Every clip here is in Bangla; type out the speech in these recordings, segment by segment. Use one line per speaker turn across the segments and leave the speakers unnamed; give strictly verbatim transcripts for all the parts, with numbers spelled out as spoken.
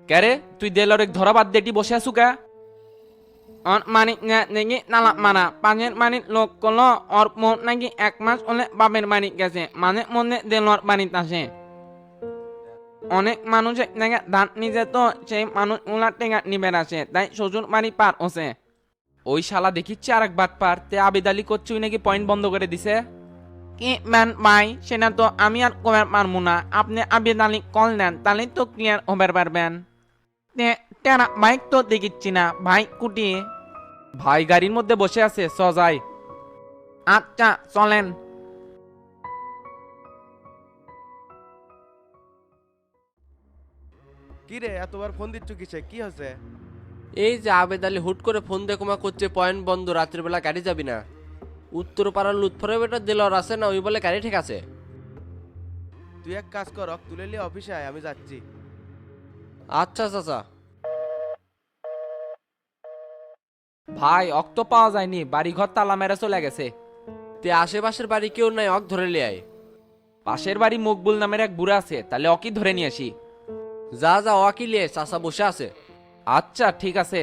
ক্যারে তুই দেলরেক ধরা বাদ দেটি বসে আছু কা?
অর মানিক নাকি নালা মারা পাঁচের মানিক লোক করলো ওর মোট নাকি এক মাস হলে বাপের বাড়ি গেছে মানে মনে দেলোয়ার বাড়িতে আসে। অনেক মানুষ নাকি দাঁত নিজে তো সেই মানুষ উলার টেঙ্গা নিবের আসে তাই শ্বশুর বাড়ি পার হচ্ছে।
ওই শালা দেখিচ্ছে আর এক বাট পার তে আবেদ আলী করছে ওই নাকি পয়েন্ট বন্ধ করে দিছে।
কি ম্যান ভাই সেটা তো আমি আর কবার পারবো না, আপনি আবেদ আলী কল দেন তাহলে তো ক্লিয়ার হবার পারবেন। টেরা বাইক তো দেখিচ্ছি না ভাই কুটি।
ভাই গাড়ির মধ্যে বসে আছে চ যাই।
আচ্ছা চলেন।
কি রে এতবার ফোন দিচ্ছ কিসে, কি হয়েছে?
এই যে আবেদ আলী হুট করে ফোন দিয়ে কমা করছে পয়েন্ট বন্ধ, রাত্রির বেলা গাড়ি যাবি না। উত্তর পাড়ার লুৎফরে বেটা দিলর আছে না, ওই বলে গাড়ি ঠিক আছে।
তুই এক কাজ কর, অক তুলে নিয়ে অফিসে আয়, আমি যাচ্ছি।
আচ্ছা চাচা।
ভাই অক্ত পাওয়া যায়নি, বাড়ি ঘর তালা মেরে চলে গেছে।
তে আশেপাশের বাড়ি কেউ নাই, অক ধরে লিয়ে আয়।
পাশের বাড়ি মকবুল নামের এক বুড়া আছে, তাহলে অকি ধরে নিয়ে আসি।
যা যা অকি লিয়ে, চাচা বসে আছে।
আচ্ছা ঠিক আছে।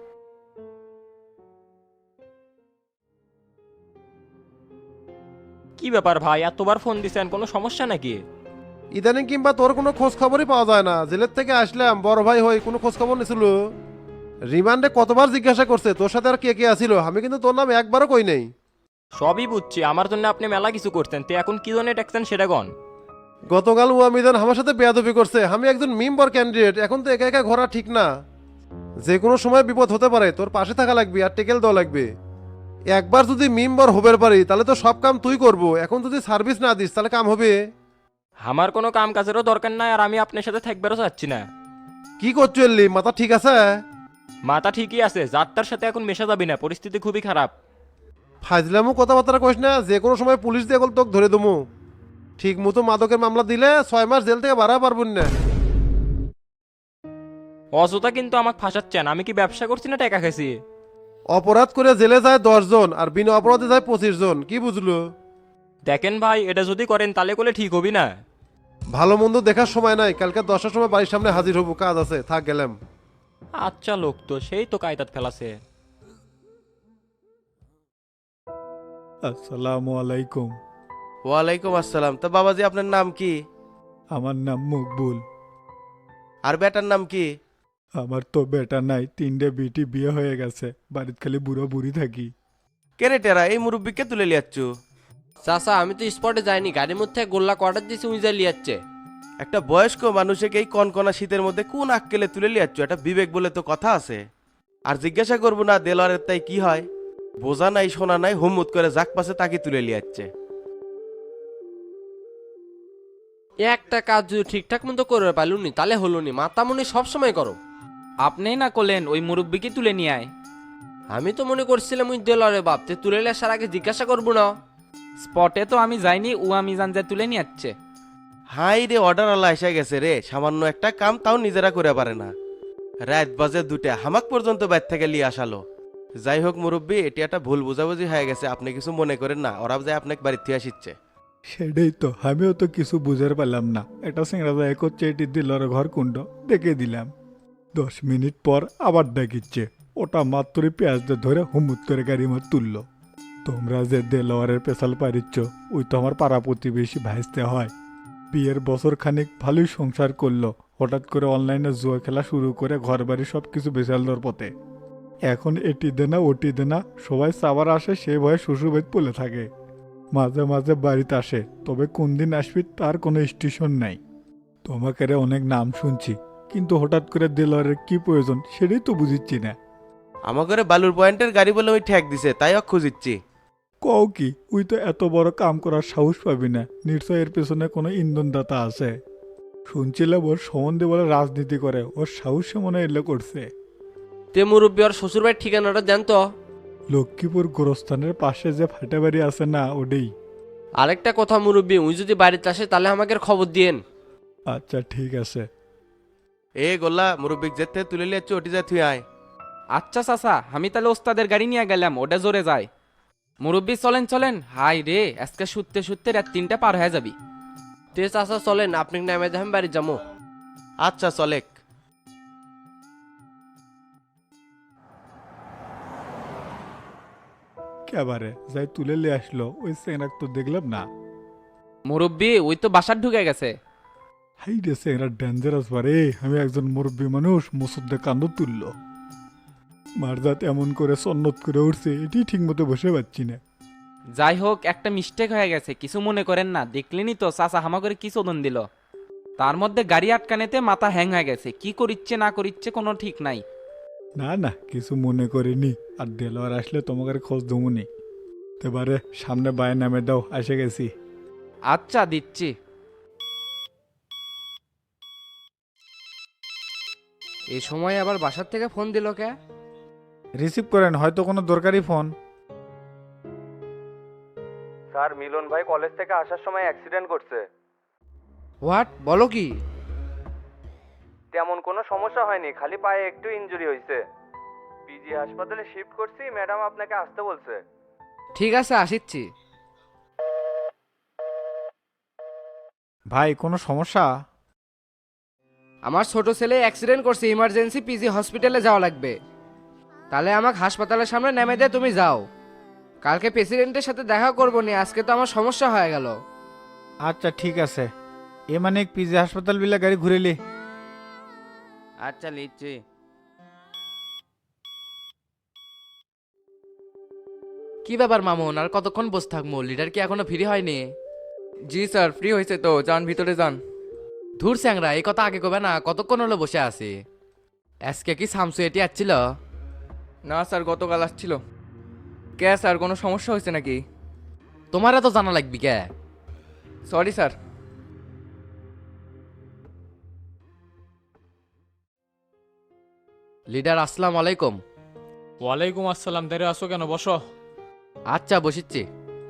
কি ব্যাপার ভাই, এতবার ফোন দিছেন, কোনো সমস্যা নাকি?
ইদানিং কিংবা তোর কোনো খোঁজ খবরই পাওয়া যায় না। জেলের থেকে আসলাম, বড় ভাই হই, কোনো খোঁজ খবর নিছিল? রিমান্ডে কতবার জিজ্ঞাসা করছে তোর সাথে আর কে কে আসিল, আমি কিন্তু তোর নাম একবারও কই নাই।
সবই বুঝছি, আমার জন্য আপনি মেলা কিছু করতেন, তে এখন কি জন্য টেকছেন সেটা গন।
গতকাল ওয়ামিদান আমার সাথে বেয়াদবি করছে। আমি একজন মেম্বার ক্যান্ডিডেট, এখন তো একা একা ঘোরা ঠিক না। যে কোনো সময় বিপদ হতে পারে, তোর পাশে থাকা লাগবে আর টেকেল দেওয়া লাগবে। একবার যদি মেম্বার হবার পারি তাহলে তো সব কাম তুই করবো, এখন যদি সার্ভিস না দিস তাহলে কাম হবে?
আমার কোনো কাম কাজেরও দরকার নাই, আর আমি আপনার সাথে থাকবেরও চাচ্ছি না।
কি করছো এলি, মাথা ঠিক আছে?
মাথা ঠিকই আছে, যাত্রার সাথে এখন মেশা যাবি না, পরিস্থিতি খুবই খারাপ।
ফাজলামও কথাবার্তা কইস না, যে কোনো সময় পুলিশ দিয়ে গেল তোকে ধরে দেবো। ঠিক মতো মাদকের মামলা দিলে ছয় মাস জেল থেকে বাড়া পারবুন না।
অযথা কিন্তু আমাকে ফাঁসাচ্ছেন, আমি কি ব্যবসা করছি না টাকা খাইছি?
অপরাধ করে জেলে যায় দশ জন আর বিনা অপরাধে যায় পঁচিশ জন, কি বুঝলো?
দেখেন ভাই, এটা যদি করেন তাহলে করলে ঠিক হবি না।
ভালো মন্দ দেখার সময় নাই, কালকে দশটার সময় বাড়ির সামনে হাজির হবো, কাজ আছে, থাক গেলাম।
আচ্ছা লোক তো সেই তো কায়দাত ফেলাছে।
আসসালামু আলাইকুম।
ওয়ালাইকুম আসসালাম। তা বাবাজি আপনার নাম কি?
আমার নাম মকবুল।
আর বেটার নাম কি?
আমার তো বেটা নাই, তিনটে বিটি বিয়ে হয়ে গেছে, বাড়িতে খালি বুড়ো বুড়ি থাকি।
কেরে টেরা এই মুরব্বীকে তুলে লিয়াচ্ছ?
চাচা আমি তো স্পটে যাইনি, গাড়ির মধ্যে গোল্লা কোয়ার্টার দিয়েছি, উইজা লিয়াচ্ছে।
একটা বয়স্ক মানুষকে এই কনকনা শীতের মধ্যে কোন আক্কেলে তুলে লিয়াচ্ছ? এটা বিবেক বলে তো কথা আছে। আর জিজ্ঞাসা করবো না দেলোয়ারের তাই কি হয়? বোঝা নাই শোনা নাই, হুমুত করে জাক পাশে তাকে তুলে লিয়াচ্ছে।
একটা কাজ যদি ঠিকঠাক মতো করবে পারলুনি তাহলে হলোনি, মাতামুনি সবসময় করো।
আপনি না করলেন ওই মুরব্বিকে তুলে নিয়ে আয়।
আমি তো মনে করছিলাম উই দেলরে বাপ, তে তুলে নিয়ে আসার আগে জিজ্ঞাসা করবো না?
স্পটে তো আমি যাইনি, ও আমি জান যে তুলে নিয়ে যাচ্ছে।
হাই রে, অর্ডার আল্লাহ এসে গেছে রে, সামান্য একটা কাম তাও নিজেরা করে পারে না। রাত বাজে দুটা, হামাক পর্যন্ত বাইর থেকে লিয়ে আসালো। যাই হোক মুরব্বী, এটি একটা ভুল বুঝাবুঝি হয়ে গেছে, আপনি কিছু মনে করেন না, ওরা যায় আপনাকে বাড়ির থেকে আসিচ্ছে।
সেটাই তো, আমিও তো কিছু বুঝতে পারলাম না। এটা সিংড়া যায় করছে, এটি দিলর ঘর কুণ্ড দেখে দিলাম। দশ মিনিট পর আবার ডাকিচ্ছে, ওটা মাত্রই পেঁয়াজ দিয়ে ধরে হুমুত করে গাড়ি মার তুললো। তোমরা যে দেলোয়ারের পেশাল পারিচ্ছ, ওই তো আমার পাড়া প্রতিবেশী ভাইসতে হয়। বিয়ের বছর খানিক ভালোই সংসার করলো, হঠাৎ করে অনলাইনে জুয়া খেলা শুরু করে ঘর বাড়ি সব কিছু বেচাল দর পথে। এখন এটি দেনা ওটি দেনা, সবাই চাবার আসে, সে ভয়ে শ্বশুরবাড়ি পলে থাকে। মাঝে মাঝে বাড়িতে আসে, তবে কোন দিন আসবি তার কোনো স্টেশন নাই। তোমাকে রে অনেক নাম শুনছি, কিন্তু হঠাৎ করে দেলোয়ারের কি প্রয়োজন সেটাই তো বুঝিচ্ছি না।
আমাকে বালুর পয়েন্টের গাড়ি বলে ওই ঠেক দিছে, তাই অক খুঁজিচ্ছি।
কও কি, ওই তো এত বড় কাম করার সাহস পাবি না, নিশ্চয় এর পেছনে কোনো ইন্ধনদাতা আছে। শুনছিলাম ওর সম্বন্ধে বলে রাজনীতি করে, ওর সাহসে মনে হয় এলে করছে।
তে মুরব্বী ওর শ্বশুর বাড়ির ঠিকানাটা দেন তো।
লক্ষ্মীপুর গোরস্থানের পাশে যে ফাটে বাড়ি আছে না, ওটাই।
আরেকটা কথা মুরব্বী, উই যদি বাড়িতে আসে তাহলে আমাকে খবর দিয়েন।
আচ্ছা ঠিক আছে।
এ গোল্লা, মুরব্বী যেতে তুলে লিয়াচ্ছ, ওটি যা তুই আয়।
আচ্ছা চাচা, আমি তাহলে ওস্তাদের গাড়ি নিয়ে গেলাম, ওটা জোরে যায়। মুরব্বি চলেন চলেন, হাই রে আজকে শুতে শুতে রাত তিনটা পার হয়ে যাবি।
তে চাচা চলেন, আপনি নামে যাবেন বাড়ি যাবো।
আচ্ছা চলেক।
কেবারে যাই তুলে নিয়ে আসলো ওই চেংড়াক তো দেখলাম না।
মুরব্বি ওই তো বাসার ঢুকে গেছে।
হাই রে চেংড়া ডেঞ্জারাস বারে, আমি একজন মুরব্বী মানুষ মুসুদ্দে কান্দ তুলল। মারজাত এমন করে সন্নত করে উঠছে, এটি ঠিক মতো বসে পাচ্ছি না।
যাই হোক, একটা মিস্টেক হয়ে গেছে, কিছু মনে করেন না। দেখলেনি তো চাচা হামা করে কি চোদন দিল। তার মধ্যে গাড়ি আটকানেতে মাথা হ্যাং হয়ে গেছে, কি করিচ্ছে না করিচ্ছে কোনো ঠিক নাই।
না না কিছু মনে করিনি, আর দেলোয়ার আসলে তোমাকে খোঁজ দমুনি। এবারে সামনে বায়ে নামে দাও, এসে গেছি।
আচ্ছা দিচ্ছি।
এই সময় আবার বাসার থেকে ফোন দিল কে?
রিসিভ করেন, হয়তো কোনো দরকারি ফোন।
স্যার, মিলন ভাই কলেজ থেকে আসার সময় অ্যাক্সিডেন্ট করছে।
হোয়াট, বলো কি?
তেমন কোনো সমস্যা হয়নি, খালি পায়ে একটু ইনজুরি হয়েছে। পিজি হাসপাতালে শিফট করছি, ম্যাডাম আপনাকে আসতে বলছে।
ঠিক আছে, আসিচ্ছি।
ভাই কোনো সমস্যা?
আমার ছোট ছেলে অ্যাক্সিডেন্ট করছে, ইমার্জেন্সি পিজি হসপিটালে যাওয়া লাগবে। তাহলে আমাকে হাসপাতালের সামনে নেমে দে, তুমি যাও। কালকে প্রেসিডেন্টের সাথে দেখা করবো নি, আজকে তো আমার সমস্যা হয়ে গেল।
আচ্ছা ঠিক আছে, এ মানে পিজি হাসপাতাল বিলা গাড়ি ঘুরেলি।
আচ্ছা লিখছি।
কি ব্যাপার মামুন, আর কতক্ষণ বসে থাকবো? লিডার কি এখনো ফ্রি হয়নি?
জি স্যার, ফ্রি হয়েছে তো, যান ভিতরে যান।
ধুর স্যাংরা, এই কথা আগে কবে না? কতক্ষণ হলো বসে আছি। আজকে কি সামসু এটি আসছিল?
না স্যার, গতকাল আসছিল। কে স্যার, কোনো সমস্যা হয়েছে নাকি?
তোমার এত জানা লাগবি কে?
Sorry sir.
লিডার আসসালামু আলাইকুম।
ওয়ালাইকুম আসসালাম। দেরে আসো কেন? বসো।
আচ্ছা বসিচ্ছি।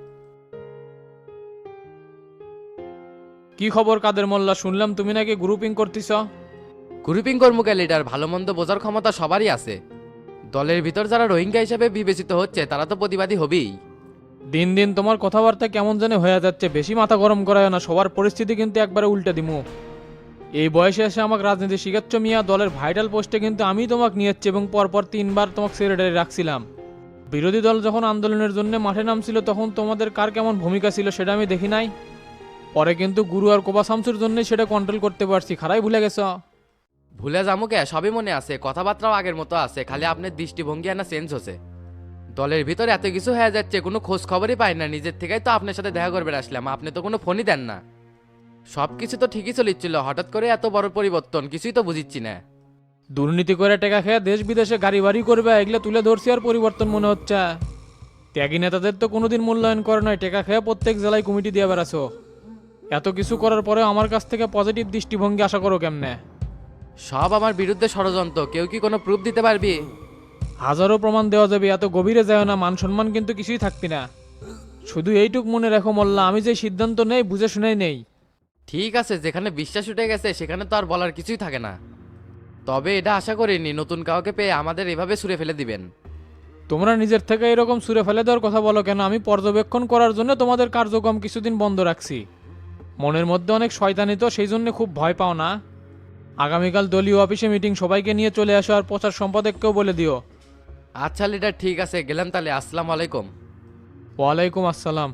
কি খবর কাদের মোল্লা, শুনলাম তুমি নাকি গ্রুপিং করতেছ?
গ্রুপিং কর্মকে লিডার, ভালো মন্দ বোঝার ক্ষমতা সবারই আছে। দলের ভিতর যারা রোহিঙ্গা হিসেবে বিবেচিত হচ্ছে তারা তো প্রতিবাদী হবেই।
দিন দিন তোমার কথাবার্তা কেমন জানে হয়ে যাচ্ছে, বেশি মাথা গরম করায় না। সবার পরিস্থিতি কিন্তু একবারে উল্টে দিমু। এই বয়সে এসে আমাকে রাজনীতি শিখাচ্ছ মিয়া? দলের ভাইটাল পোস্টে কিন্তু আমি তোমাকে নিয়েছি এবং পরপর তিনবার তোমাকে সেক্রেটারি রাখছিলাম। বিরোধী দল যখন আন্দোলনের জন্য মাঠে নামছিল তখন তোমাদের কার কেমন ভূমিকা ছিল সেটা আমি দেখি নাই। পরে কিন্তু গুরু আর কোবা শামসুর জন্যই সেটা কন্ট্রোল করতে পারছি। খারাই ভুলে গেছ?
ভুলে যাবো কে? সবই মনে আছে, কথাবার্তাও আগের মতো আছে, খালি আপনার দৃষ্টিভঙ্গি না চেঞ্জ হচ্ছে। দলের ভিতরে এত কিছু হয়ে যাচ্ছে, কোনো খোঁজ খবরই পাই না। নিজের থেকেই তো আপনার সাথে দেখা করবে আসলাম, আপনি তো কোনো ফোনই দেন না। সব কিছু তো ঠিকই চলিচ্ছিল, হঠাৎ করে এত বড় পরিবর্তন, কিছুই তো বুঝিচ্ছি না।
দুর্নীতি করে টাকা খেয়ে দেশ বিদেশে গাড়ি বাড়ি করবে, এগুলো তুলে ধরছি আর পরিবর্তন মনে হচ্ছে। ত্যাগী নেতাদের তো কোনোদিন মূল্যায়ন করে নয়, টাকা খেয়ে প্রত্যেক জেলায় কমিটি দিয়ে বেড়াছো। এত কিছু করার পরে আমার কাছ থেকে পজিটিভ দৃষ্টিভঙ্গি আশা করো কেমনে?
সব আমার বিরুদ্ধে ষড়যন্ত্র, কেউ কি কোনো প্রুফ দিতে পারবি?
হাজারো প্রমাণ দেওয়া যাবে, এত গভীরে যায় না, মান সম্মান কিন্তু কিছুই থাকবি না। শুধু এইটুক মনে রেখো মোল্লা, আমি যে সিদ্ধান্ত নেই বুঝে শুনেই নেই।
ঠিক আছে, যেখানে বিশ্বাস উঠে গেছে সেখানে তো আর বলার কিছুই থাকে না। তবে এটা আশা করিনি নতুন কাউকে পেয়ে আমাদের এভাবে ছুঁড়ে ফেলে দিবেন।
তোমরা নিজের থেকে এরকম সুরে ফেলে দেওয়ার কথা বলো কেন? আমি পর্যবেক্ষণ করার জন্য তোমাদের কার্যক্রম কিছুদিন বন্ধ রাখছি। মনের মধ্যে অনেক শয়তানি তো, সেই জন্য খুব ভয় পাও না। আগামীকাল দলীয় অফিসে মিটিং, সবাইকে নিয়ে চলে আসো আর প্রচার সম্পাদককেও বলে দিও।
আচ্ছা লিডার, ঠিক আছে, গেলাম তাহলে। আসসালামু আলাইকুম।
ওয়ালাইকুম আসসালাম।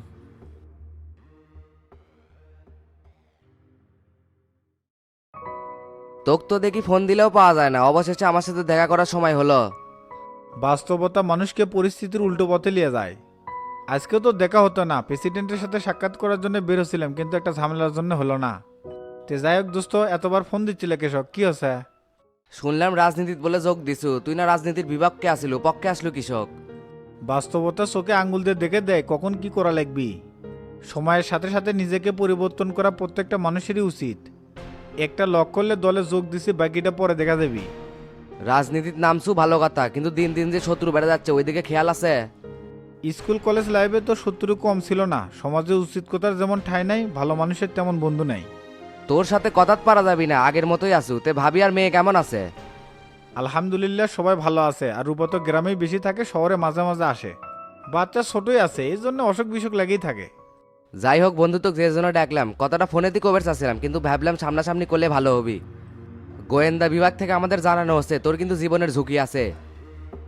তোক তো দেখি ফোন দিলেও পাওয়া যায় না, অবশেষে আমার সাথে দেখা করার সময় হলো।
বাস্তবতা মানুষকে পরিস্থিতির উল্টো পথে নিয়ে যায়। আজকেও তো দেখা হতো না, প্রেসিডেন্টের সাথে সাক্ষাৎ করার জন্য বের হচ্ছিলাম, কিন্তু একটা ঝামেলার জন্য হলো না। তে যাই হোক দোস্ত, এতবার ফোন দিচ্ছিল কেশব, কি হচ্ছে?
শুনলাম রাজনীতিত বলে যোগ দিছু, তুই না রাজনীতির বিভাগকে আসিল, পক্ষে আসলো কৃষক।
বাস্তবতা চোখে আঙ্গুল দিয়ে দেখে দেয় কখন কি করা লাগবি। সময়ের সাথে সাথে নিজেকে পরিবর্তন করা প্রত্যেকটা মানুষেরই উচিত। একটা লক করলে দলে যোগ দিছি, বাকিটা পরে দেখা যাবি।
রাজনীতির নামছু ভালো কথা, কিন্তু দিন দিন যে শত্রু বেড়ে যাচ্ছে ওইদিকে খেয়াল আছে?
স্কুল কলেজ লাইফে তো শত্রু কম ছিল না। সমাজে উচিত কথার যেমন ঠাঁই নাই, ভালো মানুষের তেমন বন্ধু নাই।
তোর সাথে কথাত পারা যাবি না, আগের মতোই আছু। তে ভাবি আর মেয়ে কেমন আছে?
আলহামদুলিল্লাহ সবাই ভালো আছে। আর রূপা তো গ্রামেই বেশি থাকে, শহরে মাঝে মাঝে আসে। বাচ্চা ছোটই আছে, এই জন্য অসুখ বিসুখ লেগেই থাকে।
যাই হোক বন্ধু, তোকে যে জন্য ডাকলাম, কথাটা ফোনেতে কবে চাচ্ছিলাম, কিন্তু ভাবলাম সামনাসামনি করলে ভালো হবি। গোয়েন্দা বিভাগ থেকে আমাদের জানানো হচ্ছে তোর কিন্তু জীবনের ঝুঁকি আছে।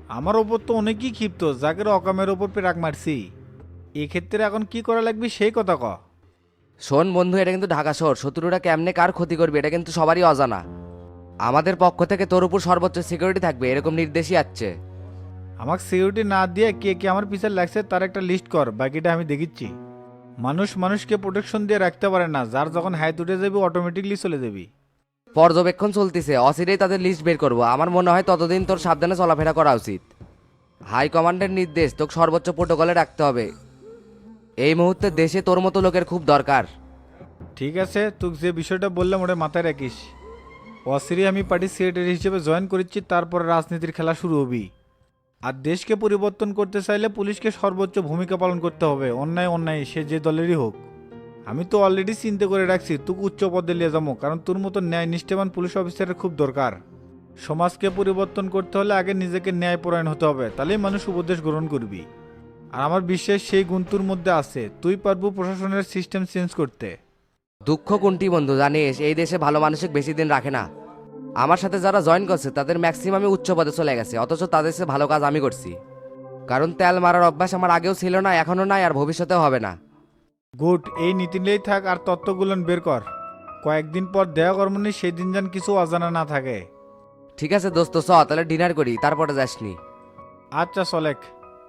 আমার ওপর তো অনেকই ক্ষিপ্ত, জাকের অকামের ওপর পেরাক মারছি। এক্ষেত্রে এখন কি করা লাগবে সেই কথা ক।
শোন বন্ধু, এটা কিন্তু ঢাকা শহর, শত্রুরা কেমনে কার ক্ষতি করবে এটা কিন্তু সবারই অজানা। আমাদের পক্ষ থেকে তোর উপর সর্বোচ্চ সিকিউরিটি থাকবে এরকম নির্দেশই আছে।
আমাকে সিকিউরিটি না দিয়ে কে কে আমার পিছনে লাগছে তার একটা লিস্ট কর, বাকিটা আমি দেখিচ্ছি। মানুষ মানুষকে প্রোটেকশন দিয়ে রাখতে পারে না, যার যখন হাইট উঠে যাবি অটোমেটিকলি চলে যাবি।
পর্যবেক্ষণ চলতেছে, অচিরেই তাদের লিস্ট বের করব। আমার মনে হয় ততদিন তোর সাবধানে চলাফেরা করা উচিত। হাই কমান্ডের নির্দেশ, তোকে সর্বোচ্চ প্রোটোকলে রাখতে হবে। এই মুহূর্তে দেশে তোর মতো লোকের খুব দরকার।
ঠিক আছে, তুই যে বিষয়টা বললাম ওটা মাথায় রাখিস। অসিরি আমি পার্টির সেক্রেটারি হিসেবে জয়েন করেছি, তারপর রাজনীতির খেলা শুরু হবি। আর দেশকে পরিবর্তন করতে চাইলে পুলিশকে সর্বোচ্চ ভূমিকা পালন করতে হবে, অন্যায় অন্যায় সে যে দলেরই হোক। আমি তো অলরেডি চিন্তা করে রাখছি তোকে উচ্চ পদে নিয়ে যাবো, কারণ তোর মতো ন্যায় নিষ্ঠবান পুলিশ অফিসারের খুব দরকার। সমাজকে পরিবর্তন করতে হলে আগে নিজেকে ন্যায়পরায়ণ হতে হবে, তাহলেই মানুষ উপদেশ গ্রহণ করবি। আর আমার বিশ্বাস সেই গুণ তোর মধ্যে আছে, তুই পারবো প্রশাসনের সিস্টেম চেঞ্জ করতে।
দুঃখ কোনটি বন্ধু জানিস, এই দেশে ভালো মানুষকে বেশি দিন রাখে না। আমার সাথে যারা জয়েন করছে তাদের ম্যাক্সিমামই উচ্চ পদে চলে গেছে, অথচ তাদের চেয়ে ভালো কাজ আমি করছি। কারণ তেল মারার অভ্যাস আমার আগেও ছিল না, এখনও নাই, আর ভবিষ্যতেও হবে না।
গুড, এই নীতি নিয়েই থাক আর তত্ত্বগুলো বের কর। কয়েকদিন পর দেয়া কর্মনি সেই দিন যেন কিছু অজানা না থাকে।
ঠিক আছে দোস্ত, চ তাহলে ডিনার করি, তারপরে যাসনি।
আচ্ছা চলেক।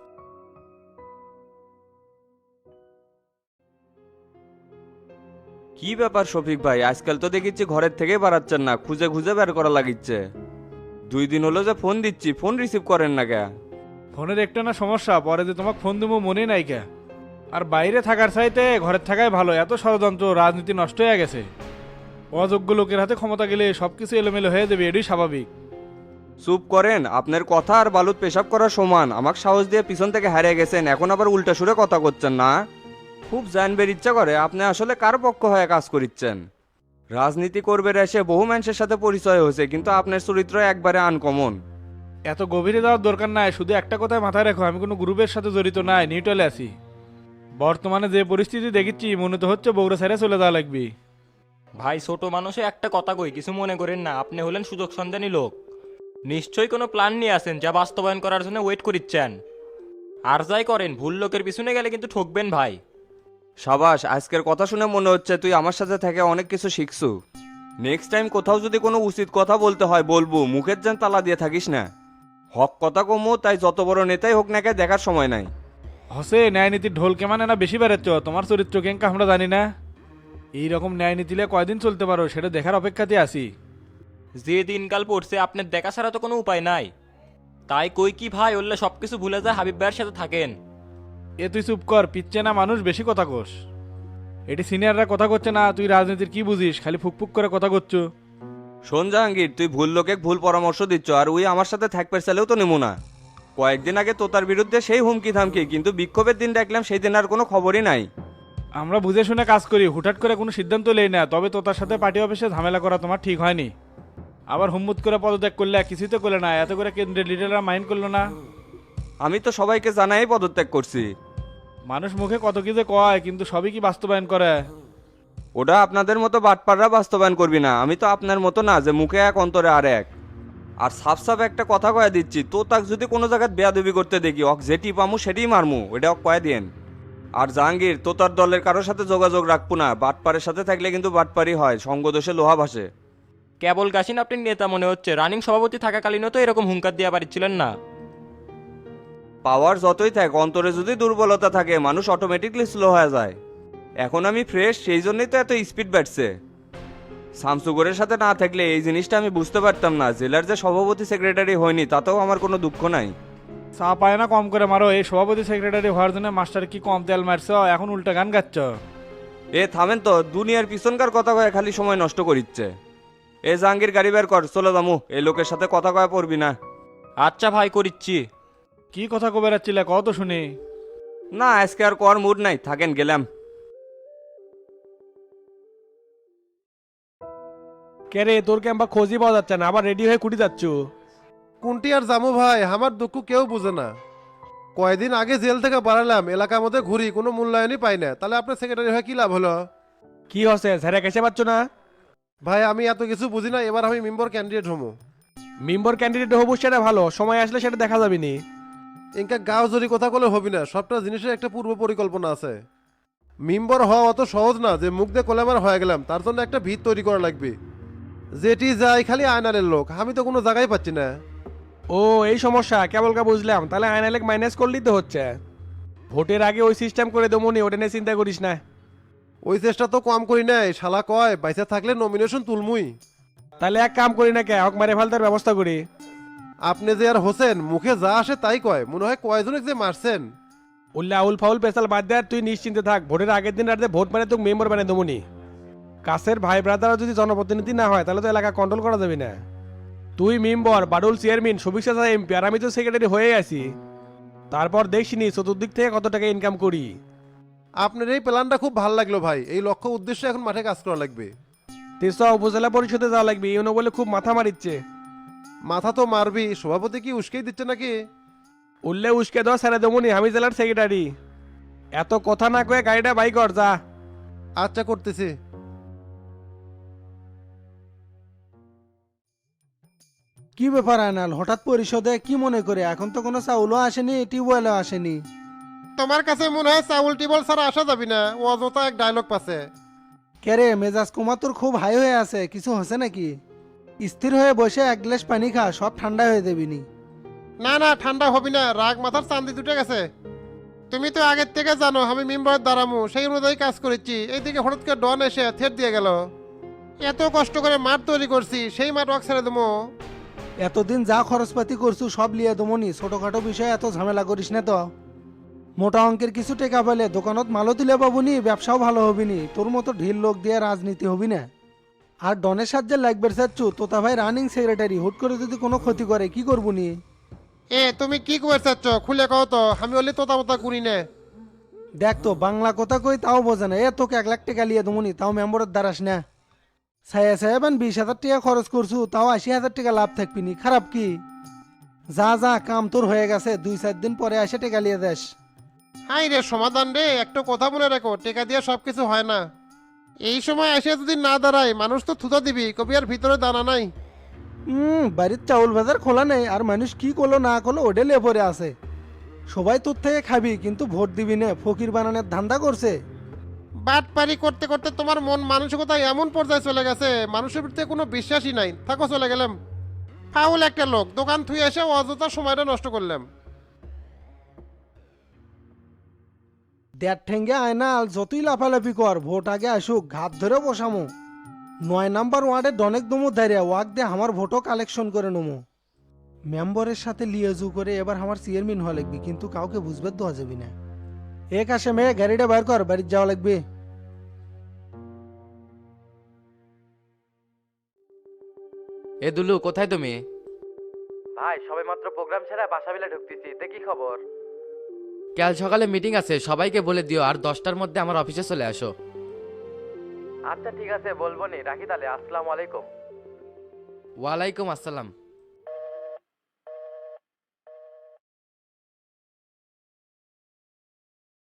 কি ব্যাপার শফিক ভাই, আজকাল তো দেখিচ্ছি ঘরের থেকে বাড়াচ্ছেন না, খুঁজে খুঁজে বের করা লাগিচ্ছে। দুই দিন হলো যে ফোন দিচ্ছি, ফোন রিসিভ করেন না কে?
ফোনের একটা না সমস্যা, পরে যে তোমাকে ফোন দেবো মনে নাই কে। আর বাইরে থাকার চাইতে ঘরের থাকাই ভালো, এত ষড়যন্ত্র, রাজনীতি নষ্ট হয়ে গেছে। অযোগ্য লোকের হাতে ক্ষমতা গেলে সবকিছু এলোমেলো হয়ে যাবে, এটাই স্বাভাবিক।
চুপ করেন, আপনার কথা আর বালুত পেশাব করার সমান। আমাকে সাহস দিয়ে পিছন থেকে হারিয়ে গেছেন, এখন আবার উল্টা সুরে কথা করছেন না। খুব জানবের ইচ্ছা করে আপনি আসলে কার পক্ষ হয়ে কাজ করিচ্ছেন। রাজনীতি করবে এসে বহু মানুষের সাথে পরিচয় হয়েছে, কিন্তু আপনার চরিত্র একবারে আনকমন।
এত গভীরে যাওয়ার দরকার নাই, শুধু একটা কথায় মাথায় রাখো, আমি কোনো গ্রুপের সাথে জড়িত নাই, নিউট্রালে আছি। বর্তমানে যে পরিস্থিতি দেখেছি মনে তো হচ্ছে বগুড়া ছেড়ে চলে যাওয়া লাগবে।
ভাই ছোট মানুষে একটা কথা কই, কিছু মনে করেন না, আপনি হলেন সুযোগ সন্ধানী লোক। নিশ্চয়ই কোনো প্ল্যান নিয়ে আসেন যা বাস্তবায়ন করার জন্য ওয়েট করিচ্ছেন। আর যাই করেন ভুল লোকের পিছনে গেলে কিন্তু ঠকবেন ভাই।
সাবাস, আজকের কথা শুনে মনে হচ্ছে তুই আমার সাথে থেকে অনেক কিছু শিখছু। নেক্সট টাইম কোথাও যদি কোনো উচিত কথা বলতে হয় বলবো, মুখের যেন তালা দিয়ে থাকিস না। হক কথা কমো, তাই যত বড় নেতাই হোক না কে দেখার সময় নাই।
হসে ন্যায় নীতির ঢোল কেমন না বেশি বেড়াচ্ছ, তোমার চরিত্র কেঙ্কা আমরা জানি না। এইরকম ন্যায় নীতিলে কয়দিন চলতে পারো সেটা দেখার অপেক্ষাতে আছি।
যে দিনকাল পড়ছে আপনার দেখা ছাড়া তো কোনো উপায় নাই। তাই কই কি ভাই ওল্লে সব কিছু ভুলে যায়, হাবিব ভাইয়ের সাথে থাকেন।
এ তুই চুপ কর, পিচ্ছে না মানুষ বেশি কথা কোস। এটি সিনিয়ররা কথা করছে না, তুই রাজনীতির কি বুঝিস, খালি ফুকফুক করে কথা করছো।
শোন জাহাঙ্গীর, তুই ভুল লোকে ভুল পরামর্শ দিচ্ছ, আর উই আমার সাথে থাকবে চাইলেও তো নেবো না। কয়েকদিন আগে তোতার বিরুদ্ধে সেই হুমকি থামকি, কিন্তু বিক্ষোভের দিন দেখলাম সেই দিন আর কোনো খবরই নাই।
আমরা বুঝে শুনে কাজ করি, হুটহাট করে কোনো সিদ্ধান্ত নেই না। তবে তোতার সাথে পার্টি অফিসে ঝামেলা করা তোমার ঠিক হয়নি। আবার হুম্মুত করে পদত্যাগ করলে, কিছুই তো করলে না, এত করে কেন্দ্রের লিডাররা মাইন্ড করলো না।
আমি তো সবাইকে জানাই পদত্যাগ করছি।
মানুষ মুখে কত কি যে কয়, কিন্তু সবই কি বাস্তবায়ন করে?
ওটা আপনাদের মতো বাটপাররা বাস্তবায়ন করবি না, আমি তো আপনার মতো না যে মুখে এক অন্তরে আর এক। আর সাফ সাফ একটা কথা কয়ে দিচ্ছি, তো তাক যদি কোনো জায়গায় বেয়াদবি করতে দেখি, অক যেটি পামু সেটিই মারমু, ওটা অক কয়ে দিন। আর জাহাঙ্গীর, তো তার দলের কারোর সাথে যোগাযোগ রাখবো না, বাটপারের সাথে থাকলে কিন্তু বাটপারই হয়, সঙ্গদোষে লোহা ভাসে।
কেবল গাছিন আপনি নেতা মনে হচ্ছে, রানিং সভাপতি থাকাকালীনও তো এরকম হুঙ্কার দিয়ে পারছিলেন না।
পাওয়ার যতই থাক, অন্তরে যদি দুর্বলতা থাকে মানুষ অটোমেটিকলি স্লো হয়ে যায়। এখন আমি ফ্রেশ, সেই জন্যই তো এত স্পিড বাড়ছে। শামসুগরের সাথে না থাকলে এই জিনিসটা আমি বুঝতে পারতাম না। জেলার যে সভাপতি সেক্রেটারি হয়নি তাতেও আমার কোনো দুঃখ নাই।
চা পায় না কম করে মারো, এই সভাপতি সেক্রেটারি হওয়ার জন্য মাস্টার কি কম তেল মারছ, এখন উল্টা গান গাচ্ছ।
এ থামেন তো, দুনিয়ার পিছনকার কথা কয়ে খালি সময় নষ্ট করিচ্ছে। এ জাহাঙ্গীর, গাড়ি বের কর, চলে যামু। এই লোকের সাথে কথা কয়ে পড়বি না।
আচ্ছা ভাই, করিচ্ছি।
কি কথা কবে রাচ্ছিলে, কত শুনি।
না, আজকে আর কর মুড নাই, থাকেন, গেলাম।
কে রে, তোর ক্যাম্পা খোঁজই পাওয়া যাচ্ছে না, আবার রেডি হয়ে কুটি যাচ্ছ?
কোনটি আর জামু ভাই, আমার দুঃখ কেউ বুঝে না। কয়দিন আগে জেল থেকে বাড়ালাম, এলাকার মধ্যে ঘুরি, কোনো মূল্যায়নই পাই না। তাহলে আপনার সেক্রেটারি হয়ে কি লাভ হলো?
কি হচ্ছে, ঝেড়ে কেসে পাচ্ছ না?
ভাই আমি এত কিছু বুঝি না, এবার আমি মেম্বার ক্যান্ডিডেট হমু।
মেম্বার ক্যান্ডিডেট হবো সেটা ভালো, সময় আসলে সেটা দেখা যাবে নি।
ইনকা গাও জরি কথা বলে হবি না, সবটা জিনিসের একটা পূর্ব পরিকল্পনা আছে। মেম্বার হওয়া অত সহজ না যে মুখ দিয়ে কোলেমার হয়ে গেলাম, তার জন্য একটা ভিত তৈরি করা লাগবে। যেটি যাই খালি আয়নালের লোক, আমি তো কোনো জায়গায় পাচ্ছি না।
ও এই সমস্যা, কেবল কা বুঝলাম। তাহলে আইনালেক মাইনাস করলেই তো হচ্ছে। ভোটের আগে ওই সিস্টেম করে দেবো নি, ওটা নিয়ে চিন্তা করিস না।
ওই চেষ্টা তো কম করি নাই, শালা কয় বাইসা থাকলে নমিনেশন তুলমুই।
তাহলে এক কাম করি না কে, হক মারে ফেলতার ব্যবস্থা করি।
আপনি যে আর হোসেন মুখে যা আসে তাই কয়, মনে হয় কয়জনে যে মারছেন।
উল্লা আউল ফাউল পেশাল বাদ দে, আর তুই নিশ্চিন্তে থাক। ভোটের আগের দিন রাতে ভোট মানে তোকে মেম্বার বানিয়ে দেবো নি। কাছের ভাই ব্রাদারও যদি জনপ্রতিনিধি না হয় তাহলে তো এলাকা কন্ট্রোল করা যাবে না। তুই member, Badul chairman, Subiksha MP, আর আমি তো সেক্রেটারি হয়ে আছি। তারপর দেখছিনি চতুর্দিক থেকে কত টাকা ইনকাম করি।
আপনার এই প্ল্যানটা খুব ভালো লাগলো ভাই, এই লক্ষ্য উদ্দেশ্যে এখন মাঠে কাজ করা লাগবে।
তেসা উপজেলা পরিষদে যাওয়া লাগবে, ইউনো বলে খুব মাথা মারিচ্ছে।
মাথা তো মারবি, সভাপতি কি উস্কেই দিচ্ছে নাকি?
উল্লে উস্কে দেওয়া ছেড়ে দেবনি, আমি জেলার সেক্রেটারি। এত কথা না কয়ে গাড়িটা বাই কর যা।
আচ্ছা করতেছি।
কি ব্যাপার আনাল, হঠাৎ পরিষদে কি মনে করে? এখন তো কোনো চাউলও আসেনি, টিউবওয়েলও আসেনি।
তোমার কাছে মনে হয় চাউল টিবল ছাড়া আসা যাবি না, ও অযথা এক ডায়লগ পাছে।
কেরে মেজাজ কুমার তোর খুব হাই হয়ে আছে, কিছু হচ্ছে নাকি? স্থির হয়ে বসে এক গ্লাস পানি খা, সব ঠান্ডা হয়ে দেবিনি।
না না ঠান্ডা হবি না, রাগ মাথার চান্দি দুটে গেছে। তুমি তো আগের থেকে জানো আমি মেম্বারের দাঁড়ামু, সেই অনুযায়ী কাজ করেছি। এইদিকে হঠাৎ করে ডন এসে থেট দিয়ে গেল। এত কষ্ট করে মাঠ তৈরি করছি, সেই মাঠ ওয়াক ছেড়ে দেবো?
এতদিন যা খরচপাতি করছু সব লিয়ে দমনি, ছোটখাটো বিষয়ে এত ঝামেলা করিস না তো। মোটা অঙ্কের কিছু টেকা পেলে দোকানত মালও তুলে পাবনি, ব্যবসাও ভালো হবিনি। তোর মতো ঢিল লোক দিয়ে রাজনীতি হবি না। আর ডনের সাহায্যে লাগবে চাচ্ছু, তোতা ভাই রানিং সেক্রেটারি, হুট করে যদি কোনো ক্ষতি করে কি করবুনি?
এ তুমি কি করে চাচ্ছ, খুলে কও তো, আমি বলি তোতা মোতা করি না।
দেখ তো বাংলা কথা কই তাও বোঝে না। এ তোকে এক লাখ টাকা লিয়ে দমনি, তাও মেম্বরের দ্বারাস না। ছায়া ছায়া বান বিশ হাজার টাকা খরচ করছু, তাও আশি হাজার টাকা লাভ থাকবিনি, খারাপ কি? যা যা কাম তোর হয়ে গেছে, দুই চার দিন পরে আসে টাকা লিয়ে দেশ।
হাই রে সমাধান রে, একটা কথা মনে রাখো, টেকা দিয়ে সব কিছু হয় না। এই সময় এসে যদি না দাঁড়ায় মানুষ তো থুতা দিবি, কবি আর ভিতরে দানা নাই।
হুম, বাড়ির চাউল বাজার খোলা নেই, আর মানুষ কি করলো না করলো ওডে লে পরে আছে। সবাই তোর থেকে খাবি কিন্তু ভোট দিবি না, ফকির বানানোর ধান্দা করছে।
বাটপারি করতে করতে তোমার মন মানসিকতা এমন পর্যায়ে চলে গেছে, মানুষের প্রতি কোনো বিশ্বাসই নাই। থাকো, চলে গেলাম। ফাউল একটা লোক, দোকান থুয়ে এসে অযথা সময়টা নষ্ট করলাম।
দেড় ঠেঙ্গে আয়নাল যতই লাফালাফি কর, ভোট আগে আসুক, ঘাত ধরে বসামো। নয় নাম্বার ওয়ার্ডে ডনেক দমু দাঁড়িয়ে ওয়াক দিয়ে আমার ভোটও কালেকশন করে নমো। মেম্বরের সাথে লিয়েজু করে এবার আমার চেয়ারম্যান হওয়া লাগবে, কিন্তু কাউকে বুঝবে দেওয়া যাবি না। এক আসে মেয়ে গাড়িটা বাইর কর, বাড়ির যাওয়া লাগবে।
এ দুলু, কোথায় তুমি?
ভাই সবে মাত্র প্রোগ্রাম ছেড়ে বাসা বিলে ঢুকতেছি, তে কি খবর?
কাল সকালে মিটিং আছে, সবাইকে বলে দিও, আর দশটার মধ্যে আমার অফিসে চলে আসো।
আচ্ছা ঠিক আছে, বলবো নি, রাখি তাহলে। আসসালামু আলাইকুম।
ওয়ালাইকুম আসসালাম।